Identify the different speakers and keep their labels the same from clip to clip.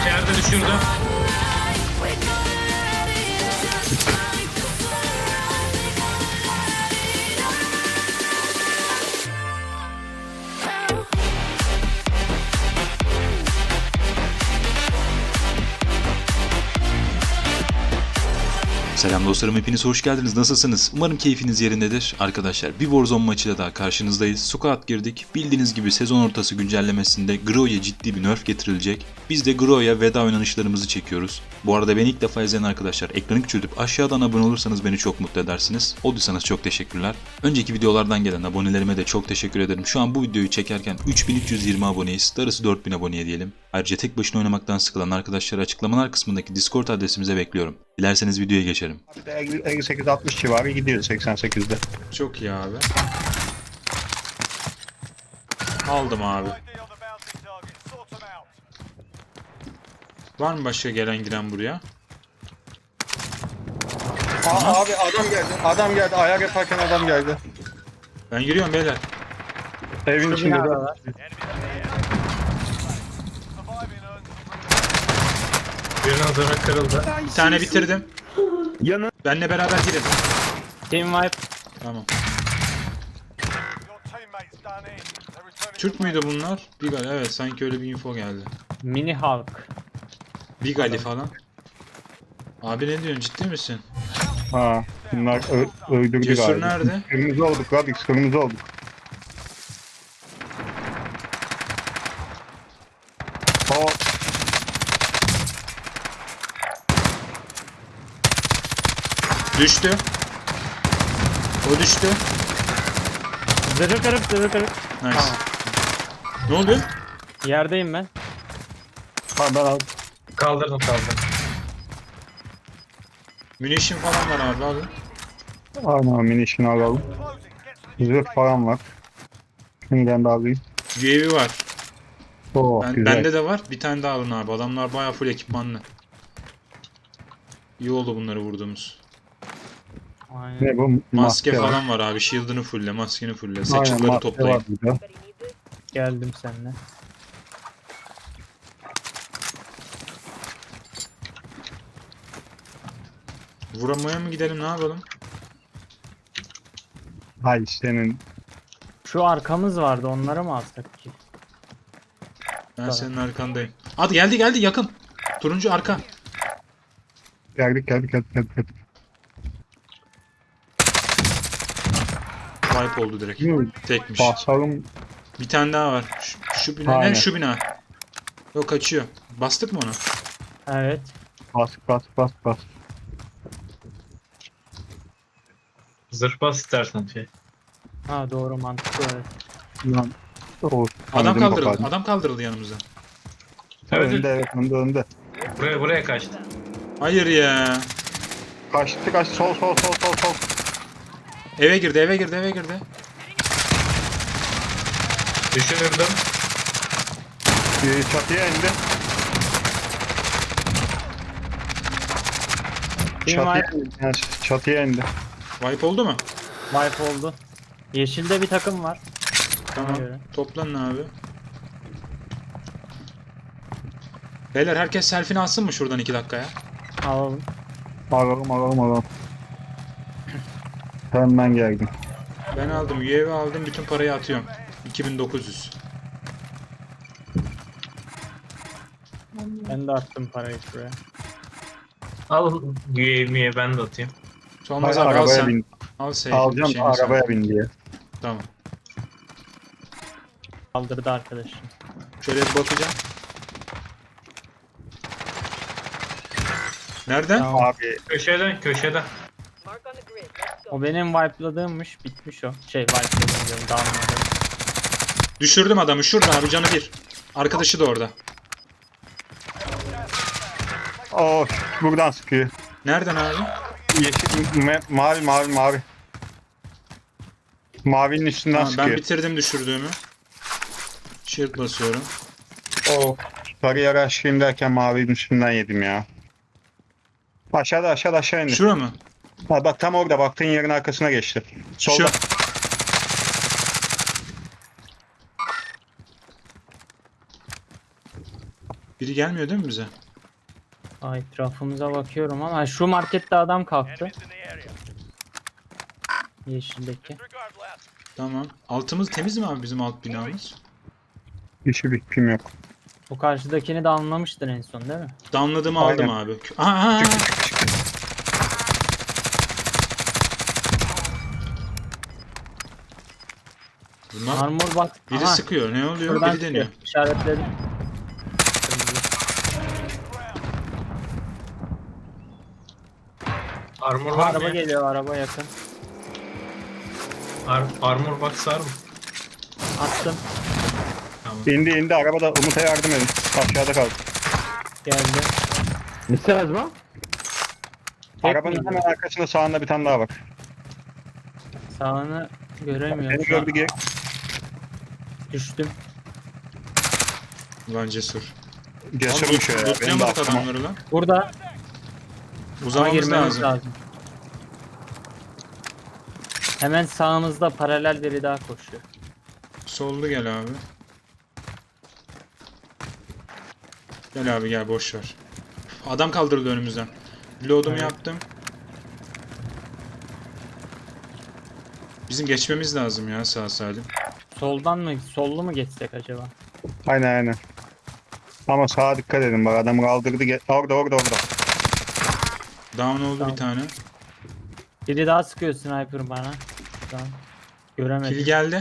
Speaker 1: yerde düşürdü.
Speaker 2: Selam dostlarım, hepiniz hoş geldiniz. Nasılsınız? Umarım keyfiniz yerindedir. Arkadaşlar bir Warzone maçıyla daha karşınızdayız. Squad girdik. Bildiğiniz gibi sezon ortası güncellemesinde Gro'ya ciddi bir nerf getirilecek. Biz de Gro'ya veda oynanışlarımızı çekiyoruz. Bu arada beni ilk defa izleyen arkadaşlar ekranı küçültüp aşağıdan abone olursanız beni çok mutlu edersiniz. Olduysanız çok teşekkürler. Önceki videolardan gelen abonelerime de çok teşekkür ederim. Şu an bu videoyu çekerken 3320 aboneyiz. Darısı 4000 aboneye diyelim. Ayrıca tek başına oynamaktan sıkılan arkadaşları açıklamalar kısmındaki Discord adresimize bekliyorum. Dilerseniz videoya geçelim.
Speaker 3: 58-60 civarı gidiyor 88'de.
Speaker 1: Çok iyi abi. Aldım abi. Var mı başka gelen giren buraya?
Speaker 3: Abi adam geldi. Adam geldi. Ayak yaparken adam geldi.
Speaker 1: Ben giriyorum beyler.
Speaker 3: Evin içinde de.
Speaker 1: Birinin zırhı kırıldı. Bir tane bitirdim.
Speaker 3: Yanı.
Speaker 1: Benle beraber girin.
Speaker 4: Team wipe.
Speaker 1: Tamam. Türk müydü bunlar? Big Ali, evet sanki öyle bir info geldi.
Speaker 4: Mini Hulk.
Speaker 1: Big Ali falan. Abi ne diyorsun, ciddi misin?
Speaker 3: Ha. Bunlar öldürdü
Speaker 1: Cesur
Speaker 3: galiba.
Speaker 1: nerede?
Speaker 3: Kırmızı olduk Radix. Kırmızı olduk. O
Speaker 1: Düştü. O düştü.
Speaker 4: Zırhı kırık, zırhı kırık.
Speaker 1: Nice.
Speaker 4: Tamam.
Speaker 1: Ne oluyor?
Speaker 4: Yerdeyim ben.
Speaker 3: ben aldım.
Speaker 5: Kaldırdım.
Speaker 1: Munition falan var abi, alın.
Speaker 3: Aynen minişini alalım. Zırh falan var. Şimdiden de alayım.
Speaker 1: UAV var.
Speaker 3: Güzel.
Speaker 1: Bende de var. Bir tane daha alın abi. Adamlar bayağı full ekipmanlı. İyi oldu bunları vurduğumuz.
Speaker 4: Aynen.
Speaker 3: Ne bu?
Speaker 1: Maske
Speaker 3: var.
Speaker 1: falan var abi. Shield'ını fulle, maskeni fulle.
Speaker 3: Aynen,
Speaker 1: Satchel'ları
Speaker 3: maske
Speaker 1: toplayın.
Speaker 3: var burada.
Speaker 4: Geldim seninle.
Speaker 1: Vuramaya mı gidelim, ne yapalım?
Speaker 3: Hay senin.
Speaker 4: Şu arkamız vardı, onları mı alsak ki?
Speaker 1: Ben
Speaker 4: Tamam.
Speaker 1: senin arkandayım. Hadi geldi yakın. Turuncu arka.
Speaker 3: Geldik.
Speaker 1: Wipe oldu direkt. Tekmiş.
Speaker 3: Basalım.
Speaker 1: Bir tane daha var. Şu bina
Speaker 3: Aynen.
Speaker 1: ne? Şu bina. Yok, kaçıyor. Bastık mı onu?
Speaker 4: Evet.
Speaker 3: Bas.
Speaker 5: Zırh bas istersen şey.
Speaker 4: Ha doğru, mantıklı, evet.
Speaker 3: Lan. O,
Speaker 1: Adam
Speaker 3: anladım
Speaker 1: kaldırıldı.
Speaker 3: kapadım.
Speaker 1: Adam kaldırıldı yanımıza.
Speaker 3: Önde evet önde.
Speaker 5: Buraya kaçtı.
Speaker 1: Hayır ya.
Speaker 3: Kaçtı sol.
Speaker 1: Eve girdi.
Speaker 5: Düşürürdüm.
Speaker 3: Çatıya indi.
Speaker 4: Team
Speaker 3: Çatıya
Speaker 4: wipe.
Speaker 3: indi. Yani çatıya indi.
Speaker 1: Wipe oldu mu?
Speaker 4: Wipe oldu. Yeşilde bir takım var.
Speaker 1: Tamam.
Speaker 4: göre.
Speaker 1: Toplanın abi. Beyler herkes selfie'ni alsın mı şuradan 2 dakikaya?
Speaker 4: Alalım.
Speaker 3: Alalım. Hemen geldim.
Speaker 1: Ben aldım. UAV aldım. Bütün parayı atıyorum. 2900.
Speaker 4: Ben de attım parayı şuraya.
Speaker 5: Al UAV'ye ben de atayım.
Speaker 1: Solmaz abi al
Speaker 3: Arabaya
Speaker 1: sen.
Speaker 3: bin.
Speaker 1: Al seyfin
Speaker 3: Alacağım
Speaker 1: şeyini sen.
Speaker 3: arabaya bin diye.
Speaker 1: Tamam.
Speaker 4: Kaldırdı arkadaşım.
Speaker 1: Şöyle bir bakacağım. Nereden?
Speaker 4: Tamam.
Speaker 3: Abi
Speaker 5: Köşeden.
Speaker 4: O benim wipe'ladığımmış. Bitmiş o. Wipe'ladığım diyorum. Down'ladım.
Speaker 1: Düşürdüm adamı. Şurada abi, canı bir. Arkadaşı da orada.
Speaker 3: buradan sıkıyor.
Speaker 1: Nereden abi?
Speaker 3: Yeşil mavi. Mavinin üstünden
Speaker 1: Tamam, ben
Speaker 3: sıkıyor.
Speaker 1: bitirdim düşürdüğümü. Shield basıyorum.
Speaker 3: Sarıya araştırayım derken mavinin üstünden yedim ya. Aşağı indi.
Speaker 1: Şura mı?
Speaker 3: Ha, bak tam orada baktığın yerin arkasına geçti. Solda.
Speaker 1: Şu. Biri gelmiyor değil mi bize?
Speaker 4: Ay, etrafımıza bakıyorum ama şu markette adam kalktı. Yeşildeki.
Speaker 1: Tamam. Altımız temiz mi abi bizim alt binamız?
Speaker 3: Hiçbir fikrim yok.
Speaker 4: Bu karşıdakini de anlamıştın en son değil mi?
Speaker 1: Damladığımı aldım
Speaker 3: Aynen.
Speaker 1: abi. Aha! Bunlar
Speaker 4: Armor bak.
Speaker 1: biri
Speaker 4: Aha,
Speaker 1: sıkıyor. Ne oluyor?
Speaker 4: şuradan
Speaker 1: Biri deniyor.
Speaker 4: çıkıyor. İşaretledim.
Speaker 5: Armor var
Speaker 4: Araba
Speaker 5: mı?
Speaker 4: geliyor, araba yakın.
Speaker 5: Armor box var mı?
Speaker 4: Attım.
Speaker 5: Tamam.
Speaker 3: İndi arabada, Umut'a yardım edin. Aşağıda kaldı.
Speaker 4: Geldi.
Speaker 6: İstemez mi?
Speaker 4: Tek
Speaker 3: Arabanın
Speaker 4: miydi?
Speaker 3: hemen arkasında sağında bir tane daha var.
Speaker 4: Sağını göremiyorum.
Speaker 3: Beni
Speaker 4: Şu an
Speaker 3: gördü geri.
Speaker 4: düştüm.
Speaker 1: Ulan cesur.
Speaker 3: Cesurmuş ya. Benim de
Speaker 1: Lootlayamadık
Speaker 3: aklıma.
Speaker 1: adamları lan.
Speaker 4: Burada ama
Speaker 1: Uzamamız
Speaker 4: girmemiz
Speaker 1: lazım.
Speaker 4: lazım. Hemen sağımızda paralel biri daha koşuyor.
Speaker 1: Sollu gel abi. Gel abi gel boş ver. Adam kaldırıldı önümüzden. Reload'umu
Speaker 4: Evet.
Speaker 1: yaptım. Bizim geçmemiz lazım ya sağ salim.
Speaker 4: Soldan mı, sollu mu geçsek acaba?
Speaker 3: Aynen. Ama sağa dikkat edin bak, adamı kaldırdı. Orada.
Speaker 1: Down oldu
Speaker 4: Tamam.
Speaker 1: bir tane.
Speaker 4: Biri daha sıkıyor sniper bana. Tamam. Göremedim.
Speaker 1: Kill geldi.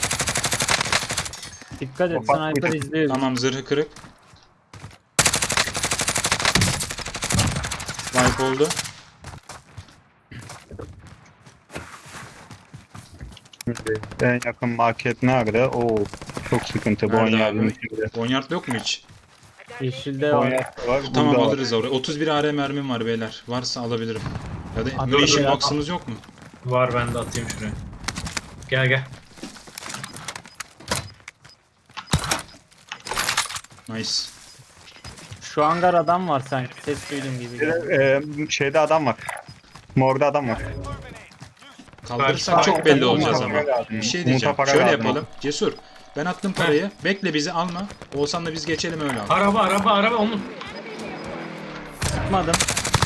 Speaker 4: Dikkat et,
Speaker 3: Ufak
Speaker 4: sniper
Speaker 3: bir-
Speaker 4: izliyor.
Speaker 1: Tamam zırhı kırık. Wipe oldu.
Speaker 3: En yakın market nerede? Oo, çok sıkıntı.
Speaker 1: Nerede
Speaker 3: Bonyard'ın
Speaker 1: abi?
Speaker 3: içinde.
Speaker 1: Bonyard yok mu hiç?
Speaker 4: Yeşilde var.
Speaker 3: Bonyard var.
Speaker 1: Tamam
Speaker 3: burada var.
Speaker 1: alırız oraya. 31 AR mermim var beyler. Varsa alabilirim. Ya da
Speaker 4: Abi,
Speaker 1: munition
Speaker 4: ya.
Speaker 1: box'ımız yok mu?
Speaker 5: Var, ben de atayım şuraya. Gel.
Speaker 1: Nice.
Speaker 4: Şu hangar adam var sanki. Ses duydum gibi.
Speaker 3: Bir de, şeyde adam var. Morda adam var.
Speaker 1: Kaldırırsak
Speaker 5: Belki-
Speaker 1: çok belli
Speaker 3: Umut'a
Speaker 1: olacağız
Speaker 3: para
Speaker 1: ama.
Speaker 3: lazım.
Speaker 1: Bir şey
Speaker 3: Umut'a
Speaker 1: diyeceğim.
Speaker 3: para
Speaker 1: Şöyle
Speaker 3: lazım.
Speaker 1: yapalım. Cesur. Ben attım parayı. Bekle bizi alma. Olsan da biz geçelim öyle al.
Speaker 5: Araba Umut.
Speaker 4: Sıkmadım.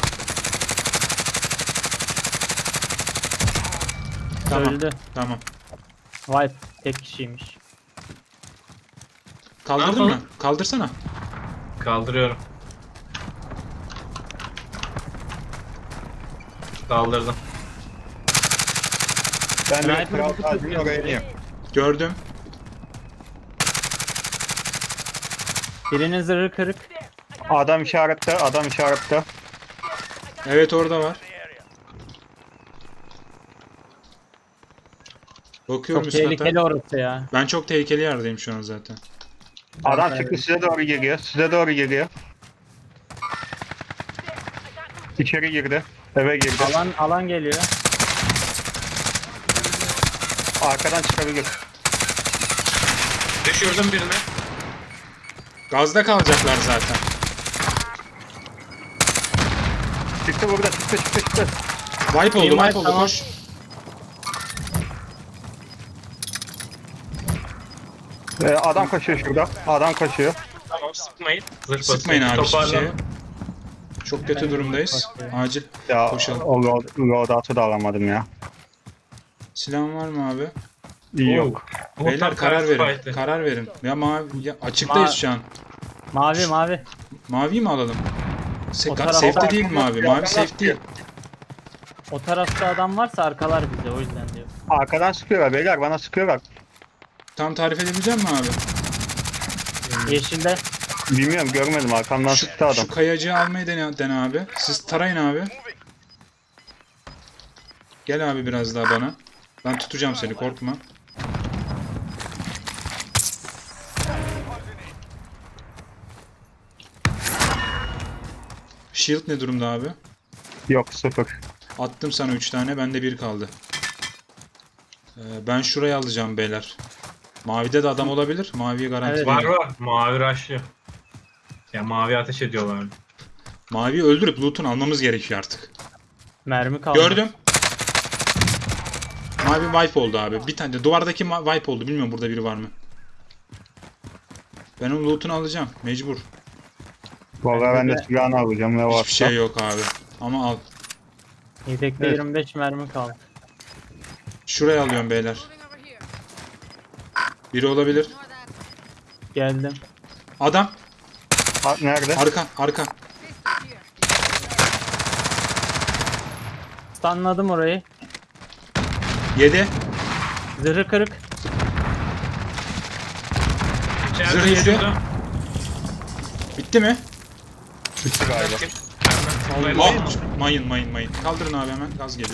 Speaker 1: Tamam.
Speaker 4: Öldü.
Speaker 1: Tamam.
Speaker 4: Wipe. Tek kişiymiş.
Speaker 1: Kaldırdın
Speaker 5: yapalım?
Speaker 1: mı? Kaldırsana.
Speaker 5: Kaldırıyorum. Kaldırdım.
Speaker 3: Ben de
Speaker 4: Sniper
Speaker 3: Kral
Speaker 4: bizi
Speaker 3: Tacı'nın
Speaker 4: tutuyor.
Speaker 3: oraya ineyim.
Speaker 1: Gördüm.
Speaker 4: Birinin zırhı kırık.
Speaker 3: Adam işarette.
Speaker 1: Evet orada var. Bakıyorum
Speaker 4: Çok
Speaker 1: üst kata.
Speaker 4: tehlikeli orası ya.
Speaker 1: Ben çok tehlikeli yerdeyim şu an zaten.
Speaker 3: Adam çıktı, size doğru geliyor. İçeri girdi. Eve girdi.
Speaker 4: Alan geliyor.
Speaker 3: Arkadan çıkabilir.
Speaker 5: Düşürdüm birini.
Speaker 1: Gazda kalacaklar zaten.
Speaker 3: Çıktı burada. Çıktı.
Speaker 1: Wipe oldu,
Speaker 4: Team
Speaker 1: wipe
Speaker 4: wipe,
Speaker 1: oldu.
Speaker 4: tamam.
Speaker 1: Koş.
Speaker 3: Adam koşuyor şurada.
Speaker 5: Tamam, sıkmayın. Zırh
Speaker 1: Sıkmayın
Speaker 5: basıyor.
Speaker 1: abi hiçbir şeye.
Speaker 5: Toparlanın.
Speaker 1: Çok kötü durumdayız. Acil.
Speaker 3: Ya
Speaker 1: Koşalım.
Speaker 3: o loadout'u da alamadım ya.
Speaker 1: Silahın var mı abi?
Speaker 3: İyi
Speaker 5: Oo.
Speaker 3: yok.
Speaker 1: Beyler
Speaker 5: Umut'tan
Speaker 1: karar
Speaker 5: karşı
Speaker 1: verin.
Speaker 5: fight'ı.
Speaker 1: Karar verin. Ya mavi ya açıktayız şu an.
Speaker 4: Mavi.
Speaker 1: Mavi mi alalım?
Speaker 4: O tarafa
Speaker 1: Safety
Speaker 4: bak.
Speaker 1: değil mi mavi? Mavi safe değil.
Speaker 4: O tarafta adam varsa arkalar bize, o yüzden diyor.
Speaker 3: Arkadan sıkıyorlar beyler, bana sıkıyorlar.
Speaker 1: Tam tarif edebilecek misin abi?
Speaker 4: Yeşilde.
Speaker 3: Bilmiyorum, görmedim, arkamdan sıktı adam.
Speaker 1: Şu kayacığı almayı dene abi. Siz tarayın abi. Gel abi biraz daha bana. Ben tutacağım seni, korkma. Shield ne durumda abi?
Speaker 3: Yok, 0.
Speaker 1: Attım sana 3 tane, bende 1 kaldı. Ben şurayı alacağım beyler. Mavide de adam olabilir. Maviye garanti
Speaker 4: Evet.
Speaker 1: veriyorum.
Speaker 5: Var. Mavi rushlıyor. Ya mavi ateş ediyorlar.
Speaker 1: Maviyi öldürüp loot'unu almamız gerekiyor artık.
Speaker 4: Mermi kaldı.
Speaker 1: Gördüm. Mavi wipe oldu abi. Bir tane de duvardaki wipe oldu. Bilmiyorum burada biri var mı. Ben onun loot'unu alacağım. Mecbur.
Speaker 3: Vallahi ben de
Speaker 4: de-
Speaker 3: silahını alacağım ne varsa.
Speaker 1: Hiçbir şey yok abi. Ama al.
Speaker 4: Yedekte
Speaker 3: Evet.
Speaker 4: 25 mermi kaldı.
Speaker 1: Şuraya alıyorum beyler. Biri olabilir.
Speaker 4: Geldim.
Speaker 1: Adam.
Speaker 3: Ha, nerede?
Speaker 1: Arka.
Speaker 4: Stunladım orayı.
Speaker 1: 7.
Speaker 4: Zırhı kırık.
Speaker 5: İçeride
Speaker 1: Zırh yedi.
Speaker 5: şurada.
Speaker 1: Bitti mi?
Speaker 3: Bitti galiba.
Speaker 1: Ah, mayın. Kaldırın abi hemen. Gaz geliyor.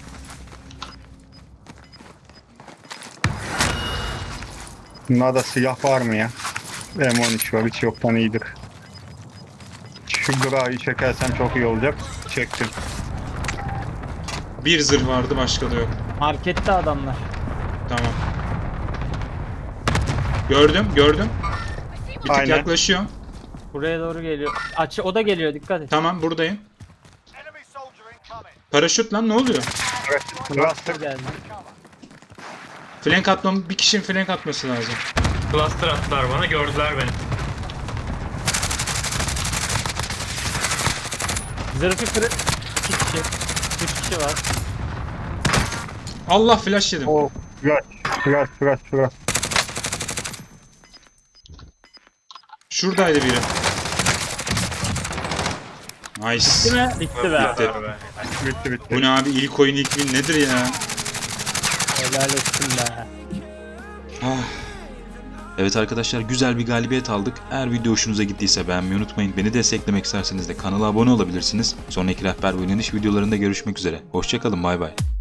Speaker 3: Bunlarda silah var mı ya? M13 var hiç yoktan iyidir. Şu Grau'yu çekersem çok iyi olacak. Çektim.
Speaker 1: Bir zırh vardı, başka da yok.
Speaker 4: Markette adamlar.
Speaker 1: Tamam. Gördüm. Bir tık
Speaker 3: Aynen.
Speaker 1: yaklaşıyorum.
Speaker 4: Buraya doğru geliyor. O da geliyor, dikkat et.
Speaker 1: Tamam, buradayım. Paraşüt lan, ne oluyor?
Speaker 3: Evet. Cluster
Speaker 4: Geldi.
Speaker 1: Flank atmam, bir kişinin flank atması lazım.
Speaker 5: Cluster attılar bana, gördüler beni.
Speaker 4: Zırhı kırık. 2 kişi. 3 kişi var.
Speaker 1: Allah, flash yedim.
Speaker 3: o flash.
Speaker 1: Şuradaydı biri. Nice.
Speaker 4: Değil mi? Bitti be.
Speaker 1: Bitti.
Speaker 3: Bitti.
Speaker 1: Bu ne abi, ilk oyun ilk win nedir ya?
Speaker 4: Helal etsin be.
Speaker 1: Ah.
Speaker 2: Evet arkadaşlar, güzel bir galibiyet aldık. Eğer video hoşunuza gittiyse beğenmeyi unutmayın. Beni desteklemek isterseniz de kanala abone olabilirsiniz. Sonraki rehber ve oynanış videolarında görüşmek üzere. Hoşçakalın, bay bay.